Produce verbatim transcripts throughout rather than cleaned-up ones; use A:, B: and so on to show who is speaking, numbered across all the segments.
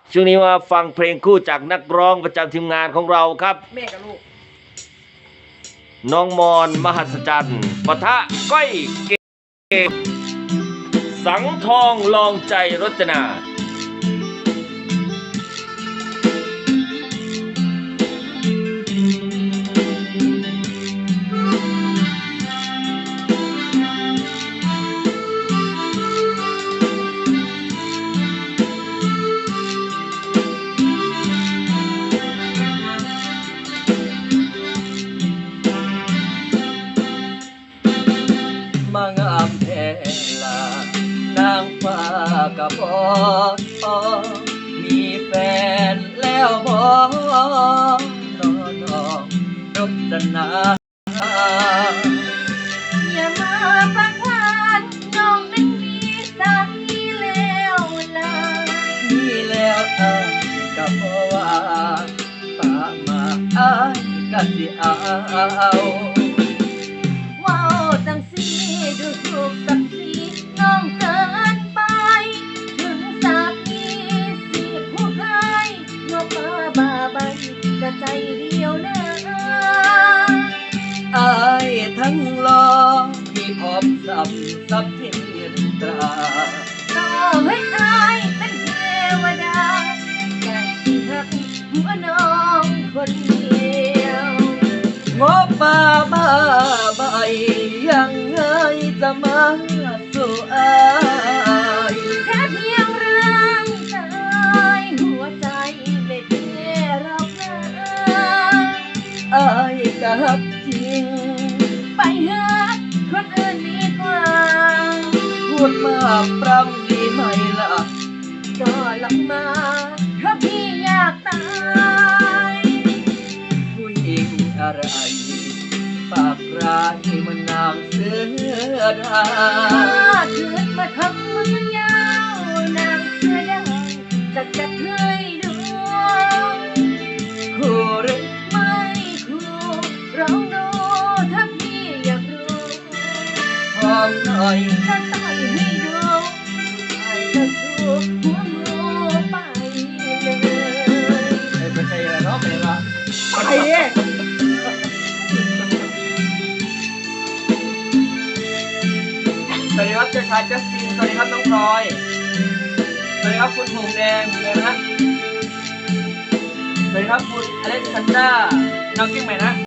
A: ช่วงนี้มาฟังเพลงคู่จากนักร้องประจำทีมงานของเราครับ
B: แม่กับลูก
A: น้องมอนมหัศจรรย์ปะทะก้อยเกมสังทองลองใจรจนา
C: มางามแท้ลานางฟ้ากับบ่มีแฟนแล้วบ่นอนองรจนา
B: อย่ามาปักพานน้องนั้นมีสามีแล้วล่ะ
C: มีแล้วอ้ายกับบ่ว่าปามาอ้ายก็สิเอา
B: ว้าวจังสีดูถูกศักดิ์ศรีน้องเกินไปถึงสามีสิผู้ชายนกมาบาใบจะใจเดียวนะ
C: อายทั้งรอที่พบสับสับเทียนตรา
B: ต่อให้อายเป็นเทวดาแต่ที่หักหัวน้องคนเดียว
C: งบป่าบ้าใบยังไงจะมาสู่อาย
B: แค่เพียงร่างกายหัวใจไม่เท่หรอกนะ
C: อายกับจริง
B: ไปหาคนอื่นดีกว่า
C: พูดมากปรำดีไหมล่ะ
B: ก็ลงมาเพราะพี่อยากตาย
C: ผู้หญิงอะไรปากร้ายมันนางเสือดา
B: เกิดมาทำมือยาวนางเสือดาวจะจัดให้ดู
C: คู่หรือ
B: ไม่คู่ลองดูถ้าพี่อยากรู้
C: พร้อมหน่อย
B: จะต่อยให้ดูไอ้จะชูหัวงูไปเลย
C: ไม่ใช่อะไรเนาะไม่ละ
B: ไปเนี่ย
C: สวัสดีครับเจ้าชายจัสตินสวัสดีครับน้องพลอยสวัสดีครับคุณหงแดงเลยนะสวัสดีครับคุณอเล็กซานดราน้องกิ้งใหม่นะ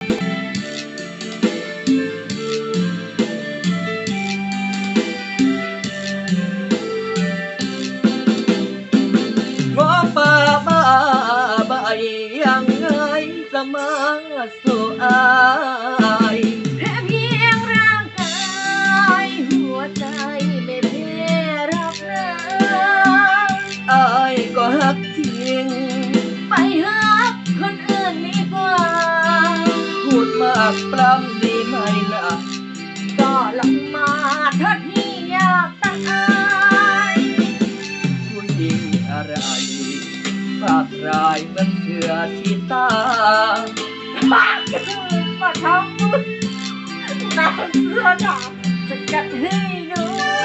C: ว่าป่าบ้าใบยังไงจะมาสู่อาย
B: แค่เพียงร่างกายหัวใจไม่เพ่รักนะ
C: อายก็หักทิ้ง
B: ไปหักคนอื่นดีกว่า
C: พูดมากปรำดีไหมล่ะ
B: ก็ลงมาเถิดที่อยากตาย
C: ผู้หญิงอะไรปากร้ายเหมือนเสือชีตา
B: ปากจะมาทำมุดนางเสือดาวจะกัดให้ดู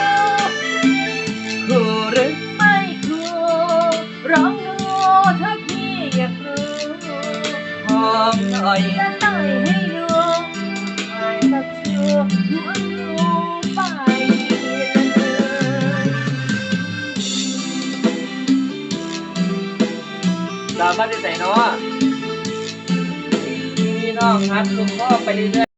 C: คู่หรือ
B: ไม่คู่ร้องดูถ้าพี่อยากรู้
C: หอมหน่อย
B: จะต่อยให้ดูไอ้ตะชูหัวงูไปเลย
C: สามารถจะใส่เนาะพี่น้องครับลุงพ่อไปเรื่อย